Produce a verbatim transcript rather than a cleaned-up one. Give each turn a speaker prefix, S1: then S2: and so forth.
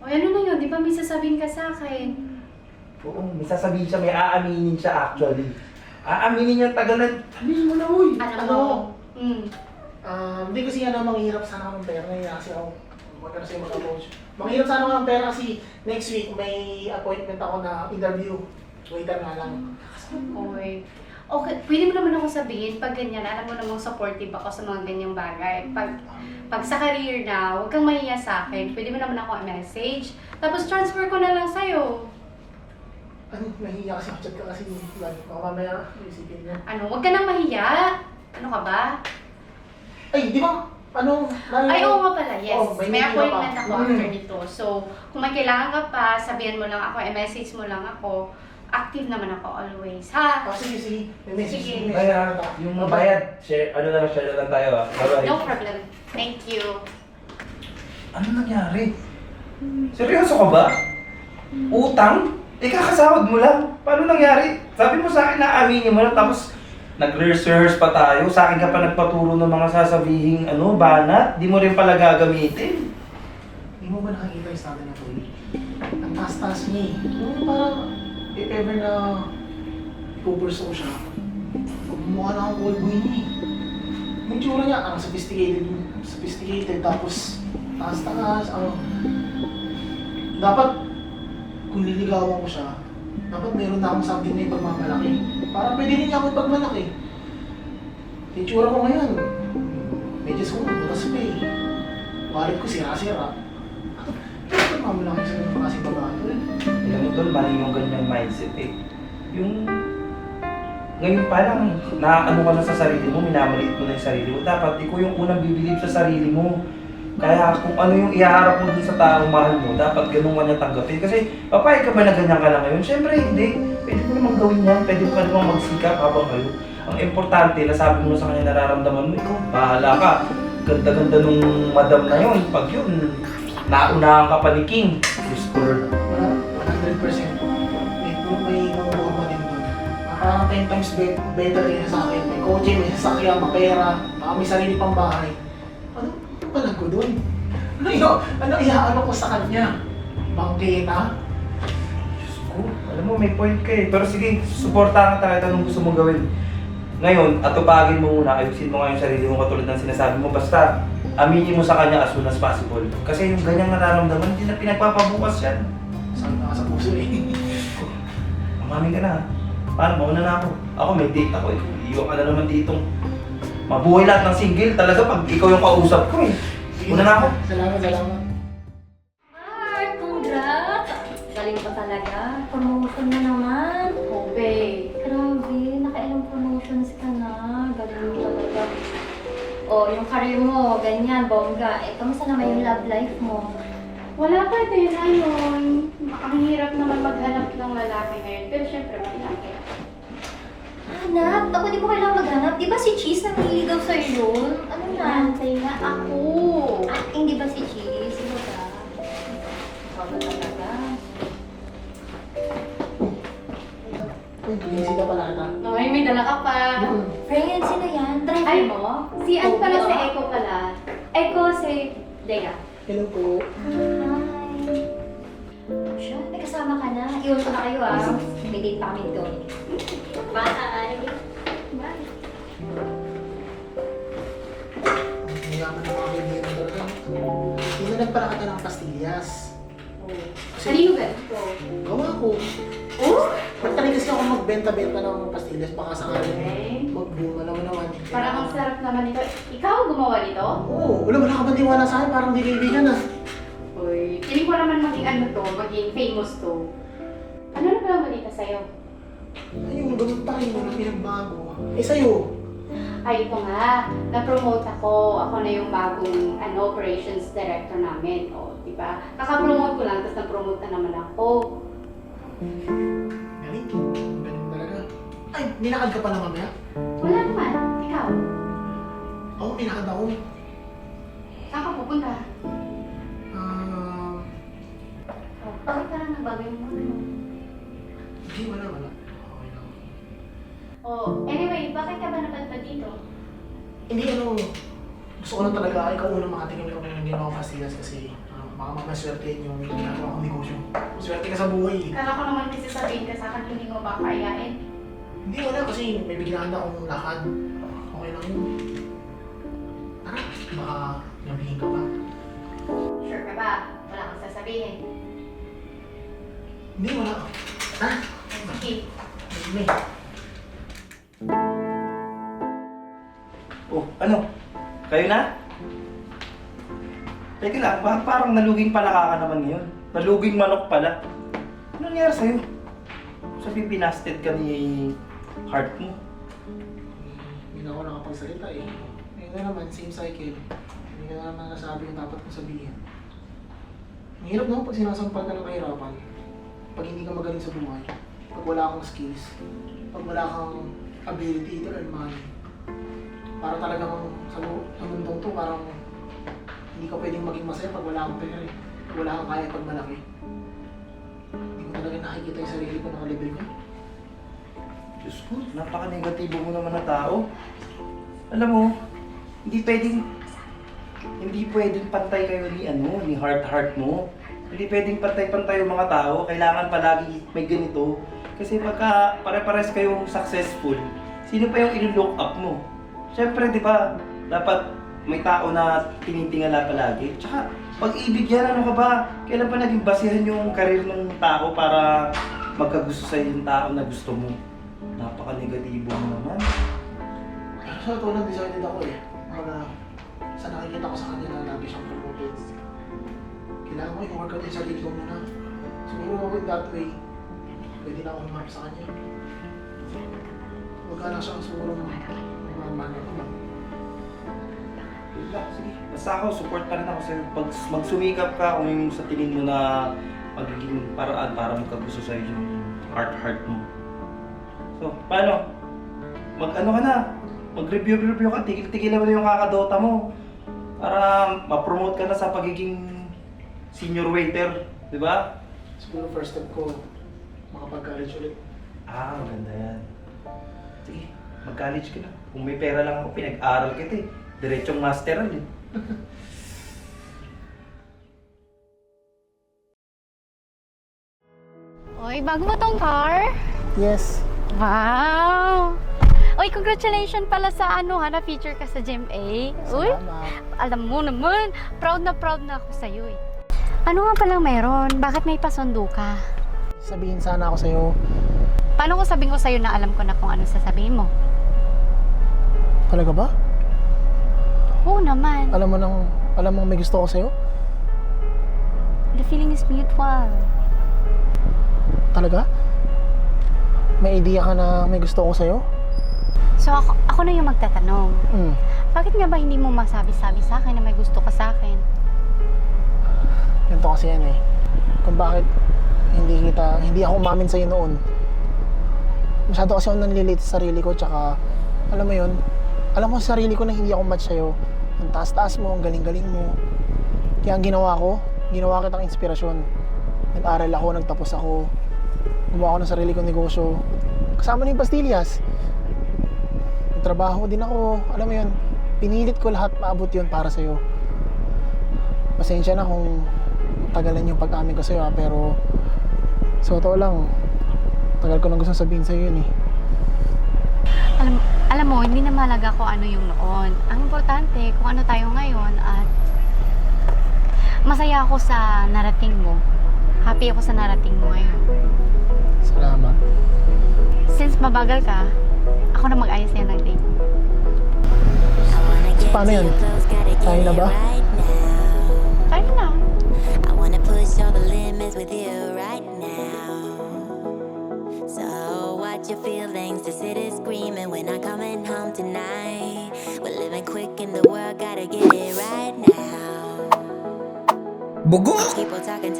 S1: O ano na yun? Di ba may sasabihin ka sa akin?
S2: Oo, may sasabihin siya, may aaminin siya actually. Aaminin niya tagal na, sabihin mo na, uy.
S1: Alam
S3: Ano?
S1: mo? Hmm.
S3: Ah, hindi kasi ano, manghihirap sana ako ng pera ngayon kasi ako magkano sa'yo mag-approach. Manghihirap sana ako ng pera kasi next week may appointment ako na interview. Waiter nga lang.
S1: Oy. Okay, pwede mo naman ako sabihin, pag ganyan, alam mo namang supportive ako sa mga ganyang bagay. Pag, pag sa career na, huwag kang mahiya sa akin. Pwede mo naman ako i-message. Tapos transfer ko na lang sa'yo.
S3: Ano, nahihiya kasi ako chat ka kasi baka mamaya isipin niya.
S1: Ano, huwag ka nang mahiya. Ano ka ba?
S3: Ay, di ba? Ano? Lalo,
S1: Ay, oo nga pala, yes.
S3: Oh,
S1: may
S3: may meeting
S1: appointment
S3: ka pa.
S1: ako
S3: Mm.
S1: after nito. So, kung may kailangan ka pa, sabihan mo lang ako, i-message mo lang ako. Active naman ako always, ha?
S3: Oh, sige, sige. May message.
S1: Sige.
S3: may message
S2: Kaya,
S3: ako.
S2: yung mabayad, share, ano na lang, share na lang tayo ah. Bye-bye.
S1: No problem. Thank you.
S2: Ano nangyari? Seryoso ka ba? Utang? Eh, kakasahod mo lang. Paano nangyari? Sabi mo sa akin na aminin mo lang, tapos nag-research pa tayo. Sa akin ka pa nagpaturo ng mga sasabihing ano, banat. Di mo rin pala gagamitin.
S3: Hindi mo ba nakikita yung stado niya, Tony? Ang taas-taas niya eh. Yung parang, if ever na ipupurso ko siya, mukha na akong old boy niya eh. Yung tsura niya, ang sophisticated, sophisticated, tapos taas-taas, ano. Dapat, kung liligawan ko siya, dapat meron na akong something na ipagmamalaki. Para pwede rin niya ako ipagmalaki. Yung tsura ko ngayon, medyo ko, butas pa eh. Wallet ko sira-sira. Bakit mamalaki sa mga kasi babae eh?
S2: Alam mo tol, mali yung ganyang mindset eh. Yung ngayon pa lang, naaano ka na sa sarili mo, minamaliit mo na yung sarili mo. Dapat ikaw yung unang bibilib sa sarili mo. Kaya kung ano yung ihaharap mo dun sa taong mahal mo, dapat ganun ka niya tanggapin. Kasi papayag ka ba na ganyan ka na ngayon? Siyempre hindi. Pwede mo namang gawin yan. Pwede mo pa namang magsikap habang kayo. Ang importante, nasabi mo sa kanya nararamdaman mo, ikaw, bahala ka. Ganda-ganda nung madam na yun. Pag yun, naunahan ka pa ni King. Diyos ko Lord.
S3: Wala, one hundred percent. May, may mga norma din doon. Parang ten times be- better rin sa akin. May kotse, may sasakyan, mapera, baka may sarili pang bahay. Ano palag ko doon? Ano yun? Ano iaano ko sa kanya? Bangketa?
S2: Diyos ko, alam mo may point ka eh. Pero sige, suportahan ka tayo anong gusto mong gawin. Ngayon, atupagin mo muna, ayusin mo nga yung sarili mo katulad ng sinasabi mo. Basta, aminin mo sa kanya as soon as possible. Kasi yung ganyang nararamdaman, hindi na pinagpapabukas yan.
S3: Saan na sa puso eh?
S2: Umamin ka na. Paano? Mauna na ako. Ako may date ako eh. Iiwan ka na naman ditong mabuhay lahat ng single. Talaga pag ikaw yung kausap ko eh. Una na ako.
S3: Salamat, salamat.
S4: Mark, congrats! Galing pa talaga. Promotion na naman.
S1: Oh, babe.
S4: Grabe, nakailang promotions ka na. Galing mo talaga. Oh, yung career mo, ganyan, bongga. Eh, kamusta naman yung love life mo?
S1: Wala pa din, ayun. Ang hirap naman maghanap ng lalaki ngayon. Pero syempre, malaki.
S4: Hanap? Ako di mo kailangan maghanap. Di ba si Cheese nangliligaw sa'yo yun? Ano na?
S1: Nantay na ako.
S4: Ah, hindi ba si Cheese? Sino ba? Ikaw ba talaga?
S3: Uy, busy ka pala ata.
S1: Ay, may dala ka pa.
S3: Hmm.
S4: Friend, sino yan? Driver
S1: Ay,
S4: mo?
S1: Si Ann pala,
S4: Oh,
S1: si
S4: yeah.
S1: Echo pala. Echo, si Dea.
S3: Hello po.
S4: Hi. Siya, may kasama ka na. Iwan ko na kayo ah. May date pa kami doon. Bye! Bye!
S3: Ang yaman ng mga kaibigan talaga. Tinanag pala kita ng pastillas.
S1: Kanino ba ito?
S3: Gawa ko.
S1: Oh?
S3: Magtali kasi ako magbenta-benta ng pastillas baka sakali.
S1: Okay.
S3: Mag-boom, alam mo naman.
S1: Parang ang sarap naman nito. Ikaw ang gumawa nito?
S3: Oo, wala wala ka ba tiwala sa akin? Parang di kaibigan ah.
S1: Uy, hindi ko naman maging ano to, maging famous to. Ano na pala balita sa'yo?
S3: Ayun, ganun pa rin. Walang pinagbago. Eh sa'yo?
S1: Ay, ito nga. Na-promote ako. Ako na yung bagong ano, operations director namin. O, di ba? Kaka-promote ko lang, tapos na-promote na naman ako.
S3: Galing. Galing talaga. Ay, ninakad ka pala mamaya?
S1: Wala naman. Ikaw?
S3: Oo, ninakad ako.
S1: Saan ka pupunta?
S3: Ah,
S1: Oh, bakit parang nagbago yung ano?
S3: hindi, wala, wala. Okay lang.
S1: Oh, anyway, bakit ka ba napadpad dito?
S3: Hindi, ano, gusto ko lang talaga, ikaw unang makatingin ko ng ginawang pastillas kasi, ano, baka mamaswerte yung ginagawa kong negosyo. Swerte ka sa buhay eh.
S1: Kala ko naman kasi sabihin ka sa akin, hindi mo ba kayain?
S3: Hindi, wala kasi may biglaan na akong lakad. Okay lang yun. Tara, baka nabihin ka pa.
S1: Sure ka ba? Wala kang sasabihin.
S3: Hindi, wala. Tara,
S1: Sige.
S3: may.
S2: Oh, ano? Kayo na? Teka lang, bakit parang naluging palaka ka naman ngayon? Naluging manok pala. Ano nangyari sa'yo? Sabi pinasted ka ni heart mo.
S3: Hindi na ako nakapagsalita eh. Ngayon na naman, same cycle. Hindi ka na naman nasabi yung dapat kong sabihin. Ang hirap naman pag sinasampal ka ng kahirapan. Pag hindi ka magaling sa buhay. Pag wala kang skills. Pag wala kang ability to earn money. Para talagang sa, mu- sa mundong to, parang hindi ka pwedeng maging masaya pag wala kang pera eh. Pag wala kang kaya pag malaki. Hindi ko talaga nakikita yung sarili ko nakalibel ko.
S2: Diyos ko, napaka-negatibo mo naman na tao. Alam mo, hindi pwedeng, hindi pwedeng pantay kayo ni ano, ni heart-heart mo. Hindi pwedeng pantay-pantay yung mga tao. Kailangan palagi may ganito. Kasi pagka pare-pares kayong successful, sino pa yung ilo-look up mo? Siyempre, di ba, dapat may tao na tinitingala palagi. Tsaka, pag-ibig yan, ano ka ba? Kailan pa naging basihan yung karir ng tao para magkagusto sa'yo yung tao na gusto mo? Napaka-negatibo mo naman.
S3: Sa totoo lang, decided ako eh. Mga sa nakikita ko sa kanya na lagi siyang promoted. Kailangan ko i-work out yung sarili ko muna. Siguro in that way, pwede na ako humarap sa kanya. Huwag ka na siyang siguro ng mamano ko lang.
S2: Wala, sige. Basta ako, support pa rin ako sa'yo. Pag magsumikap ka kung yung sa tingin mo na magiging paraan para magkagusto sa'yo yung heart-heart mo. So, paano? Mag-ano ka na? Mag-review-review ka, tigil-tigilan mo na yung kakadota mo. Para ma-promote ka na sa pagiging senior waiter, di ba?
S3: Siguro first step ko, makapag-college ulit.
S2: Ah, maganda yan. Sige, mag-college ka na. Kung may pera lang ako, pinag-aral kita eh. Diretsong masteral eh.
S5: Oy, bago mo tong car?
S3: Yes.
S5: Wow! Oy, congratulations pala sa ano ha, na-feature ka sa G M A. Uy, alam mo naman, proud na proud na ako sa'yo eh. Ano nga palang meron? Bakit may pasundo ka?
S3: Sabihin sana ako sa'yo,
S5: Paano ko sabihin ko sa'yo na alam ko na kung ano sasabihin mo?
S3: talaga ba?
S5: Oo naman.
S3: Alam mo nang, alam mo may gusto ko sa'yo?
S5: The feeling is mutual.
S3: Talaga? May idea ka na may gusto ko sa'yo?
S5: So ako, ako na yung magtatanong.
S3: Hmm.
S5: Bakit nga ba hindi mo masabi-sabi sa akin na may gusto ka sa akin?
S3: Ganito kasi yan eh. Kung bakit hindi kita, hindi ako umamin sa'yo noon. Masyado kasi ako nanlilate sa sarili ko, tsaka, alam mo yun, alam ko sa sarili ko na hindi ako match sa'yo. Ang taas-taas mo, ang galing-galing mo. Kaya ang ginawa ko, ginawa kitang inspirasyon. Nag-aral ako, nagtapos ako. Gumawa ako ng sarili kong negosyo. Kasama na yung pastillas. Nagtrabaho din ako, alam mo yun, pinilit ko lahat maabot yun para sa'yo. Pasensya na kung tagalan yung pag-amin ko sa'yo ha, pero sa totoo lang, tagal ko nang gusto sabihin sa'yo yun eh.
S5: Alam, alam mo, hindi na mahalaga kung ano yung noon. Ang importante, kung ano tayo ngayon at masaya ako sa narating mo. Happy ako sa narating mo ngayon.
S3: Salamat.
S5: Since mabagal ka, ako na mag-ayos sa'yo ng date.
S3: So, paano yun? Tayo na ba?
S5: Tayo na.
S6: I wanna push all the limits with you right now. So watch your feelings, the city's screaming, we're not coming home tonight. We're living quick in the world, gotta get it right now.
S7: Bugok!
S6: People talking